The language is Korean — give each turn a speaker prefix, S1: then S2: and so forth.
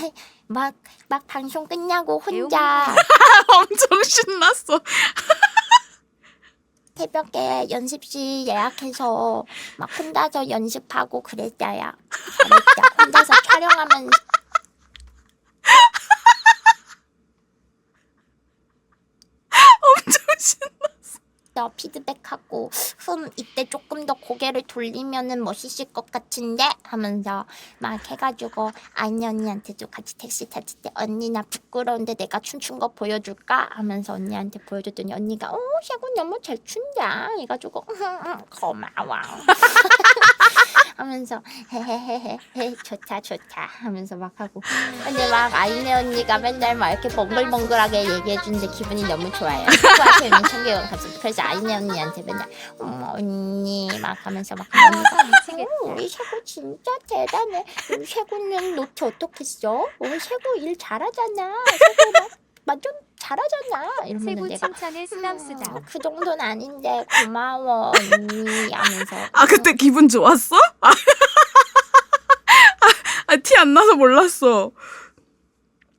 S1: 막 방송 끝나고 혼자
S2: 엄청 신났어.
S1: 새벽에 연습실 예약해서 막 혼자서 연습하고 그랬어요. 잘했다. 혼자서 촬영하면서
S2: 엄청 신났어.
S1: 피드백하고 이때 조금 더 고개를 돌리면은 멋있을 것 같은데 하면서 막 해가지고 아이네 언니한테도 같이 택시 탔을 때 언니 나 부끄러운데 내가 춤춘 거 보여줄까 하면서 언니한테 보여줬더니 언니가 셰군 너무 잘 춘다 해가지고 고마워 하면서 헤헤헤헤 좋다 하면서 막 하고 근데 막 아이네 언니가 맨날 막 이렇게 몽글몽글하게 얘기해주는데 기분이 너무 좋아요. 친구한테 있는 청개월 가서 그래서 아이네 언니한테 맨날 언니 막 하면서 막 우리 셰구 진짜 대단해. 우리 셰구는 노트 어떻게 써? 우리 셰구 일 잘하잖아. 셰구 막 완전 잘하잖아. 이러면
S3: 세구
S1: 내가
S3: 칭찬에 쓰담쓰담.
S1: 그 정도는 아닌데 고마워 언니 하면서
S2: 그때 기분 좋았어? 티 안 나서 몰랐어.